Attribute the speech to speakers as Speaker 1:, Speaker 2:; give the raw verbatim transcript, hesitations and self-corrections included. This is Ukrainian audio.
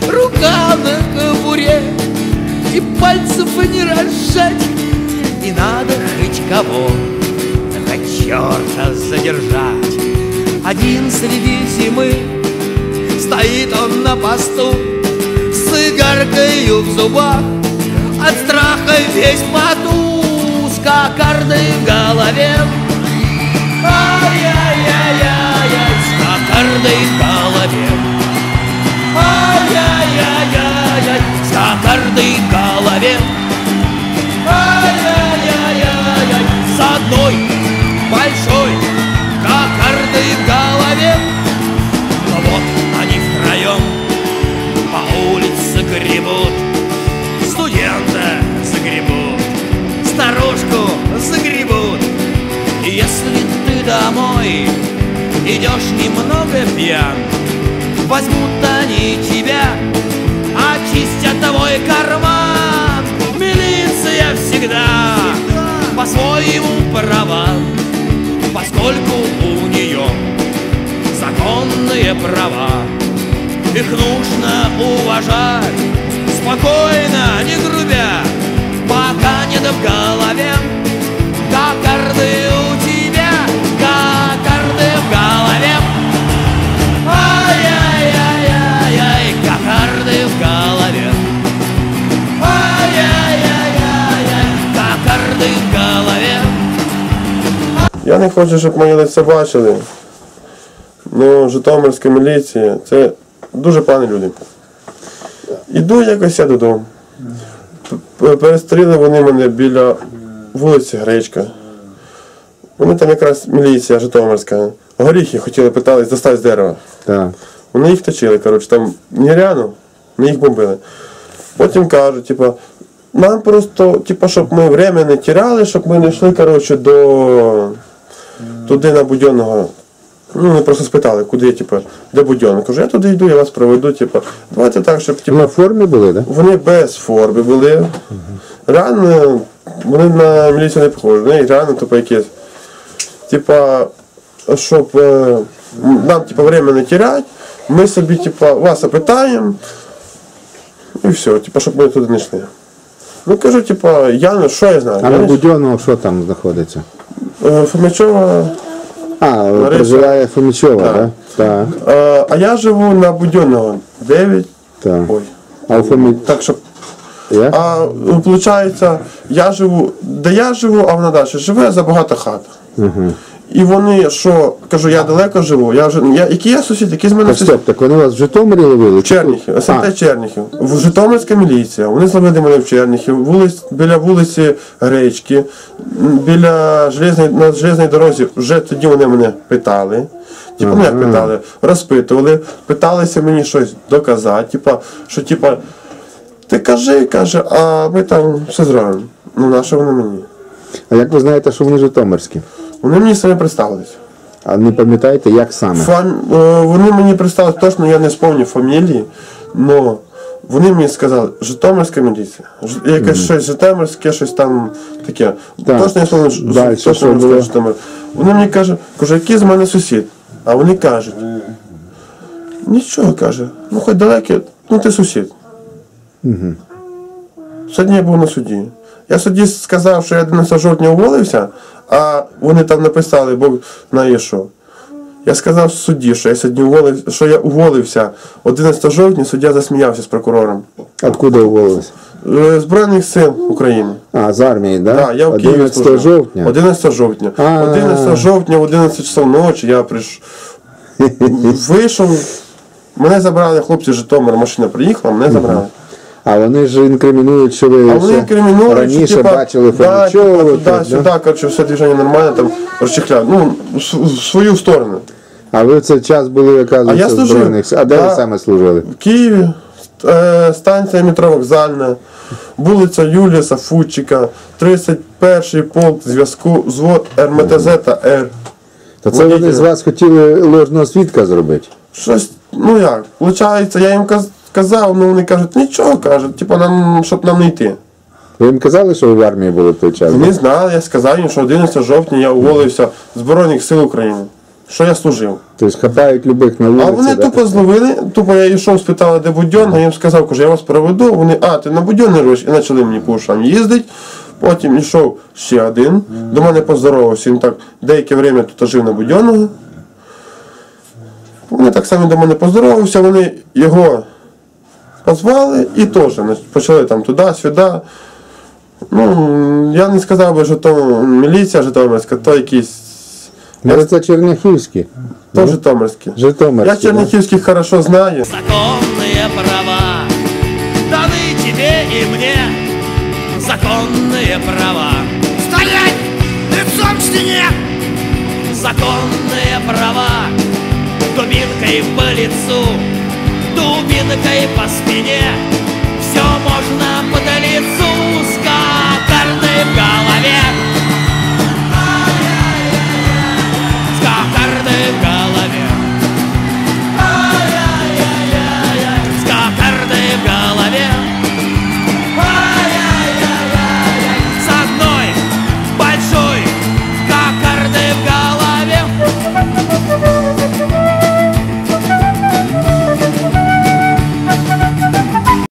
Speaker 1: рука на кобуре, и пальцев не разжать, и надо хоть кого, хоть черта задержать. Один среди зимы стоит он на посту, с игаркою в зубах, от страха весь в поту, с кокардой в голове. Ай-яй-яй-яй-яй, с кокардой в голове. Ай-яй-яй-яй-яй, с кокардой в голове. Ай-яй-яй-яй-яй, с одной большой кокардой в голове. Но вот они втроем по улице гребут, студента загребут, старушку загребут. И если ты домой идешь немного пьян, возьмут они тебя, очистят твой карман. Милиция всегда по-своему права, поскольку у нее законные права. Их нужно уважать спокойно, не грубя, пока нет в голове кокарды у тебя, кокарды в голове. Ай-яй-яй-яй-яй, кокарды в голове. Ай-яй-яй-яй-яй, кокарды в голове.
Speaker 2: Я не хочу, щоб мої лиця бачили. Ну, Житомирська міліція – це дуже погані люди. Іду якось я додому. Перестріли вони мене біля вулиці Гречка. Вони там якраз міліція Житомирська. Горіхи хотіли, питались достати з дерева.
Speaker 3: Так.
Speaker 2: Вони їх точили, коротше, там нереально, ми їх бомбили. Потім кажуть, типу, нам просто, типу, щоб ми время не тіряли, щоб ми не йшли, коротше, до туди на Будьонного. Ну, вони просто спитали, куди, типу, де Будьонний. Кажу, я туди йду, я вас проведу, типу, давайте так, щоб, типу,
Speaker 3: На формі були, так?
Speaker 2: вони без форми були. Угу. Реально, вони на міліцію не похожі, вони реально, типу, якісь, типа, щоб е, нам, типу, время не тіряти, ми собі, типу, вас опитаємо, і все, типу, щоб ми туди не йшли. Ну, кажу, типу, я, ну, що я знаю?
Speaker 3: А
Speaker 2: я
Speaker 3: на
Speaker 2: не-
Speaker 3: Будьонного що там знаходиться?
Speaker 2: Е, Фомичова.
Speaker 3: А,
Speaker 2: Лариса.
Speaker 3: проживає Фомічова,
Speaker 2: Так.
Speaker 3: так? Так.
Speaker 2: Е, а я живу на Будьонного дев'ять.
Speaker 3: Так.
Speaker 2: Ой.
Speaker 3: А у Фомі...
Speaker 2: Так, щоб.
Speaker 3: Як?
Speaker 2: А виходить, я живу, де я живу, а вона далі живе за багато хат.
Speaker 3: Угу.
Speaker 2: І вони, що, кажу, я далеко живу, я вже, я, який я сусід, який з мене
Speaker 3: Так,
Speaker 2: сусід?
Speaker 3: стоп, так вони вас в Житомирі ловили?
Speaker 2: Черніхів,
Speaker 3: А,
Speaker 2: СМТ Черніхів, в Житомирська міліція, вони зловили мене в Черніхів, вулиць, біля вулиці Гречки, біля железної, на железній дорозі, вже тоді вони мене питали, типу, ну як питали, розпитували, питалися мені щось доказати, типу, що, типу, ти кажи, каже, а ми там все зробимо. Ну, на що вони мені?
Speaker 3: А як ви знаєте, що вони житомирські?
Speaker 2: Вони мені самі представились.
Speaker 3: А не пам'ятаєте, як саме?
Speaker 2: Фам... е, Вони мені представили, точно я не спомню фамілії, але вони мені сказали, Житомирська міліція. Ж- Якесь mm. щось Житомирське, щось там таке.
Speaker 3: Так.
Speaker 2: Точно я спомню, Ж-
Speaker 3: Далі,
Speaker 2: точно
Speaker 3: що
Speaker 2: я
Speaker 3: було?
Speaker 2: скажу, Житомир. Вони мені кажуть, кажу, який з мене сусід? А вони кажуть, нічого, каже, ну хоч далекий, ну ти сусід.
Speaker 3: Угу.
Speaker 2: Сьогодні я був на суді. Я судді сказав, що я одинадцятого жовтня уволився, а вони там написали, Бог знає що. Я сказав судді, що я сьогодні уволив, що я уволився одинадцятого жовтня, суддя засміявся з прокурором.
Speaker 3: Откуда уволились?
Speaker 2: Е, Збройних сил України.
Speaker 3: А, з армії, так?
Speaker 2: Да, я в Києві
Speaker 3: одинадцятого
Speaker 2: служив.
Speaker 3: жовтня?
Speaker 2: одинадцятого жовтня.
Speaker 3: А.
Speaker 2: одинадцятого жовтня в одинадцять часов ночі я прийшов. Вийшов. Мене забрали хлопці з Житомира, машина приїхала, мене забрали.
Speaker 3: А вони ж інкримінують, що ви
Speaker 2: А вони
Speaker 3: ще
Speaker 2: інкримінують,
Speaker 3: раніше
Speaker 2: що, типа,
Speaker 3: бачили
Speaker 2: да,
Speaker 3: Фомічову.
Speaker 2: типа,
Speaker 3: тут,
Speaker 2: да,
Speaker 3: да?
Speaker 2: сюди, коротше, все движення нормально, там розчехляли. Ну, в с- в свою сторону.
Speaker 3: А ви в цей час були,
Speaker 2: А я
Speaker 3: оказується, в
Speaker 2: служив.
Speaker 3: Збройних Сил. А де
Speaker 2: Да.
Speaker 3: ви саме служили?
Speaker 2: В Києві е, станція метро Вокзальна, вулиця Юлія Сафутчика, тридцять перший полк зв'язку, звод РМТЗ та Р.
Speaker 3: То це вони
Speaker 2: Водителя.
Speaker 3: з вас хотіли ложного свідка зробити?
Speaker 2: Щось, ну як, виходить, я їм каз- казав, ну вони кажуть, нічого, кажуть, типу, нам, щоб нам не йти.
Speaker 3: Ви їм казали, що ви в армії були в той час?
Speaker 2: Вони знали, я сказав їм, що одинадцятого жовтня я уволився з Збройних сил України. що я служив.
Speaker 3: Тобто хапають любих на вулиці.
Speaker 2: А вони
Speaker 3: да?
Speaker 2: тупо зловили, тупо я йшов, спитали, де Будьонна, я їм сказав, кажу, я вас проведу, вони, а, ти на Будьонний робиш, і почали мені по ушам їздити. Потім йшов ще один, до мене поздоровався, він так деяке время тут жив на Будьонного. Вони так само до мене поздоровався, вони його позвали і теж значить, почали там туди-сюди. Ну, я не сказав би, що то міліція житомирська, то якісь,
Speaker 3: Може це черняхівські?
Speaker 2: то житомирські.
Speaker 3: Житомирські.
Speaker 2: Я черняхівських хорошо знаю.
Speaker 1: Законные права даны тебе и мне. Законные права. Стоять! Лицом к стене! Законные права. Дубинкой по лицу, дубинкой по спине. Все можно по лицу сказать.